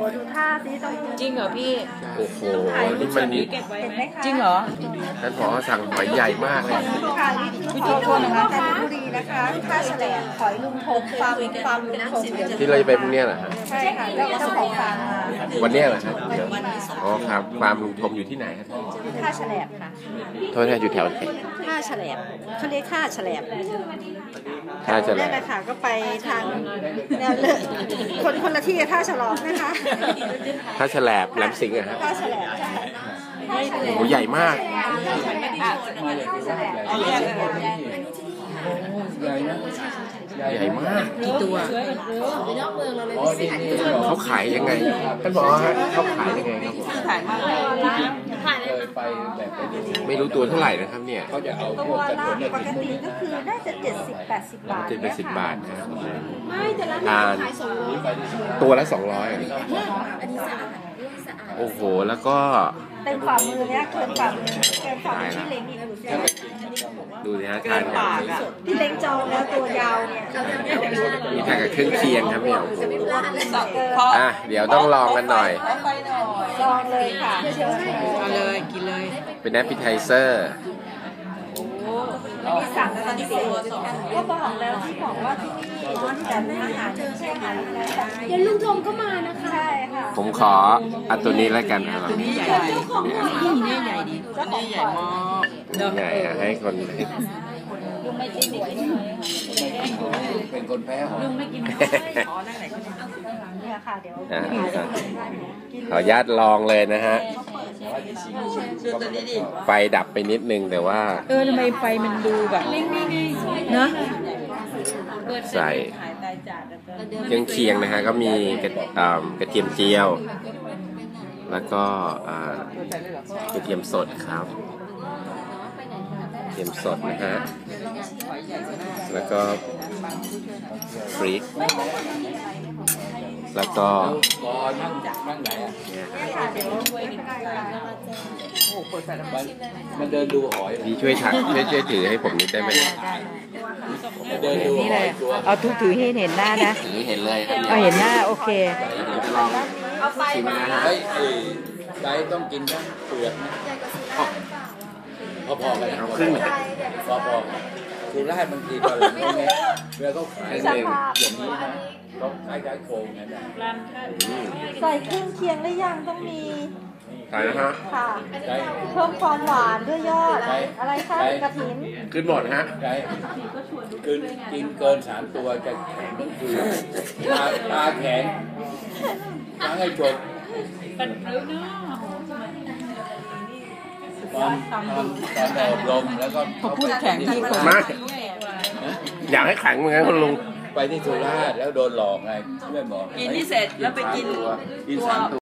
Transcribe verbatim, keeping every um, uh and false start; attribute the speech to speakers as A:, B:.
A: ดูท่าสิต้อง
B: จริงเหรอพี่
C: โอ้โหนี่มัน
B: จริงเหรอ
C: ท่านผอสั่งหอยใหญ่มากเลย
A: ค่ะที่ทุกคนนะคะจันทบุรีนะคะท่าแฉลงหอยลุงทงฟาร์มฟาร์มลุงทง
C: ที่เราจะไปพรุ่งนี้เหรอฮะ
A: ใช่ค่ะเจ้าของฟาร์ม
C: วันนี้เหรอฮะอ๋อครับฟาร์มลุงทงอยู่ที่ไหนครับ
A: ท่าแฉลงค่ะ
C: โทษนะอยู่แถวไหน
A: ท่าแฉลงเขาเรียกท่าแฉลง
C: ท่าแฉลง
A: นั่นแหละค่ะก็ไปทางแนวเลยคนคนละที่กับท่าฉลองนะคะ
C: ท่าแฉลบแหลมสิงห์อะฮะ
A: ท่าแฉลง
C: โอ้โหใหญ่มากใหญ่มาก
B: กี่ตัว
C: เขาขายยังไงท่านบอกฮะเขาขายยังไงครับ
B: ขายมาก
C: ไม่รู้ตัวเท่าไหร่นะครับเนี่ย
A: เขาจะเอาตัวละปกติก็คือน่าจะเจ็ดสิบแปดสิบบาท
C: เจ็ดสิบแปดสิบบาทนะทานตัวละสองร้อยโอ้โหแล้วก็
A: เต็มฝ่ามือเนี้ยเกินฝ่ามือเกินฝ่ามือที่เล้งอีก
C: ดูสิดูสิฮะทาน
A: ที่เล้งจองแล้วตัวยาวเนี่ย
C: มีทานกับเครื่องเคียงครับเนี่ยอ่ะเดี๋ยวต้องลองกันหน่อย
A: ลองเลยค่ะ
B: เอาเลยกินเลย
C: เป็นแอปเปิลไทเซอร์
A: มีสั่งตอนนี้ก็บอกแล้วที่บอกว่าที่นี่แต่อาหารใช่อาหารอะไร
D: เดี๋ยวลุงทงก็มานะคะ
A: ใช่ค่ะ
C: ผมขออันตัวนี้แล้วกันครับ
B: ตัวนี้ใหญ่นี่นี่ใหญ่ดีตัวนี้ใหญ่มาก
C: ใหญ่ให้คน
A: ลุงไม่กิน
E: เป็นคนแพ้
B: ลุงไม่กิน
A: เนี่ยค่ะเดี๋ยว
C: ขออนุญาตลองเลยนะฮะไฟดับไปนิดนึงแต่ว่า
B: เออทำไมไฟมันดูแบบเนอะ
C: ใส่เครื่องเคียงนะฮะก็มีกระกระเทียมเจียวแล้วก็กระเทียมสดครับกระเทียมสดนะฮะแล้วก็ฟรีกแล้วก็
E: มันเดินดูหอย
C: พี่ช่วยถักช่วยช่วยถือให้ผมนิดได้ไหม
E: เดินดู
B: นี่เลยเอาทุกถือให้เห็นหน้านะ
C: ถือเห็นเลยครับ
B: เอาเห็นหน้าโอเค
A: เอาไฟมา
E: เฮ้ยไก่ต้องกินทั้งเปลือกนะพอๆกัน
C: เอาครึ่ง
E: พอๆคือราดบางทีตอนหลังตรงนี้เวลาเขาขายเองอย่างนี้นะต้องขายขายโครงนะ
A: ใส่เครื่องเคียงได้ยังต้องมี
C: ใช่ฮะ
A: ค่ะเพิ่มความหวานด้วยยอดอะไรคะกระถิ่น
C: ขึ้นหมดฮะ
E: ใช่กินกินเกินสามตัวจะแข็งก็คือตาตาแข็งล้างให้จบ
B: เป็นเรื่องนะ
E: ตอนตอนตอนอบรมแล้วก็
B: เขาพูดแข็งที่คน
C: มาอยากให้แข็งเหมือนกันคุณลุง
E: ไปที่สุราษฎร์แล้วโดนหลอกไงไม่บอก
B: กินที่เสร็จแล้วไปกิน
E: กินสามตัว